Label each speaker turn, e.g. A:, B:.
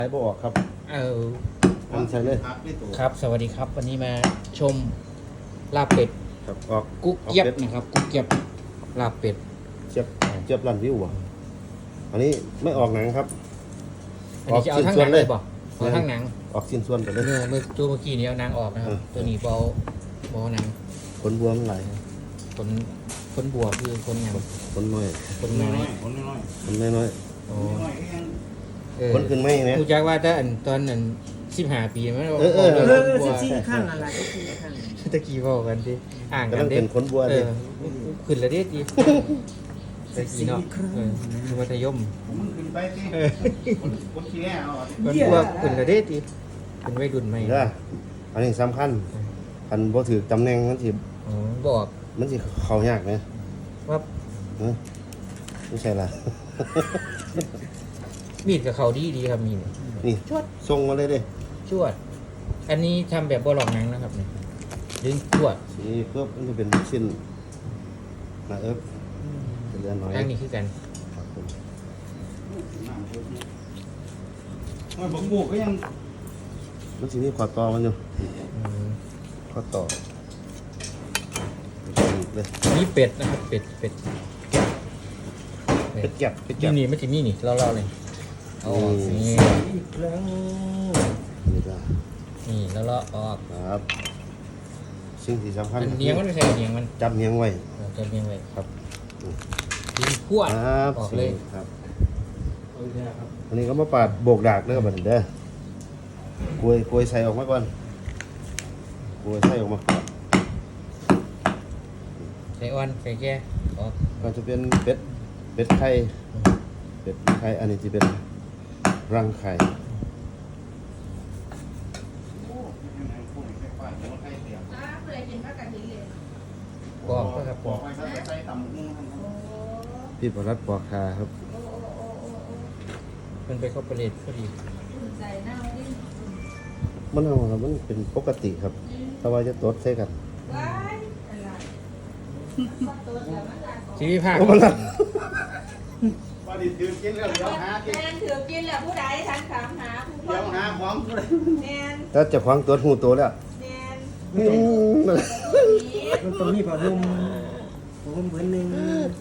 A: ขายบ่ออกครับ
B: เออ
A: อันใส่เลย
B: ครับ สวัสดีครับ วันนี้มาชมลาบเป็ด
A: ครับออก
B: กุ๊กเกียบนะครับ กุ๊กเกียบลาบเป็ด
A: เจี๊ยบรันวิวอ่ะอันนี้ไม่ออกหนังครับ
B: อันนี้จะเอาทั้งหนังเลยบ่เอาทั้งหนัง
A: ออกสิ้นส่วนไปเลย
B: เมื่อตัวเมื่อกี้นี้เอาหนังออกนะครับ ตัวนี้เบาหนัง
A: ขนบัวมันไหล
B: คนบัวคือคนหยัง
A: ขนน้อย
B: คนน้อย
A: ขนน้อย
B: โอ้
A: ขนขึ้นไม่เนี่ย
B: ผู้จักว่าถ้าตอนนั้น15 ปีมัน
C: 14ขั้นอะไรก็14ขั้น
B: ตะกี้บอกกันดิอ่าง
A: กำ
B: กั
A: ลั
B: น
A: ง
B: ดิ
A: เป็นขนบัว
B: เอ
A: ดิ
B: อขึ้นแล้วดิจีตะกี้เนาะคือมัธยม
D: มันขึ้นไปสิคนขี้แก่เอา
B: มันพวกขึ้นแล้วดิจีเป็นวัยรุ่นใหม่
A: เด้ออันนี้สำคัญคันบ่ถือตำแหน่งมันสิ
B: อ๋อบอก
A: มันสิเข้ายากไหม
B: ว่า
A: ไม่ใช่ล่ะ
B: มีดกับเขาดีครับมีด
A: นี่ชวดส่งมาเลยเด้
B: ชวด อันนี้ทำแบบบ่หลอกหนังนะครับเนี่ยดึงชวด
A: สีเพิ่มมันจะเป็นชิ้นนะเป็นเรือนน้อย
B: อันนี้คือกัน
A: ครับผม
D: มันบอกหมูก็ยัง
A: มันสิมีขอต่อมันอยู่
B: อืม
A: ขอต่อเลย
B: นี่เป็ดนะครับเป็ด
A: เป็ดแก็บเป็ดแก็บ
B: นี่ไม่ใช่มีนี่เล่าเลยเอาออกนี่
C: อีกครั้ง
A: นี่ก็
B: นี่แล้วเราออก
A: ครับสิ่งที่สำคัญ
B: มันเนียงมันไม่ใช่เนียงมัน
A: จับเนียงไว้
B: จะเนียงไว้
A: ครับ
B: ดึงขั้ว
A: ครับ
B: ออกเลย
A: ครับอันนี้ก็มาปาดโบกดากเด้อบัดนี้เด้อกล้วยใส่ออกมาก่อนกล้วยใส่ออกมาก่อน
B: ใส่อ่อนใส่แก่ออก
A: ก็จะเป็นเป็ดไข่เป็ดไข่อันนี้จะเป็นรังไข่
B: ปอกก็ครับป
D: บอ
B: อก ก
D: ไปซะใส่ต่ำมุ้ง
A: พี่ประรัดปอกคาครับ
B: มันไปเข้าประเลดพอดี
A: มันเอาแล้วมันเป็นปกติครับแต่ว่าจะตดใส่กัน
B: ชีวิตภาค
A: โอ้มันละ
D: ว่าดิถือกินแล้วเดี๋ยวหากิน
E: แมนถือกินแหละผู้ใดฉันถามหาผู้ค
D: เดี๋ยวน หาของ
E: แมน
A: ถ้าจะคว้างตัวหูตัวแล้ว
E: แมน
A: อืม
E: ผี
C: มันต้องมีผ้าห่มผ้าห่มผืนหนึ่ง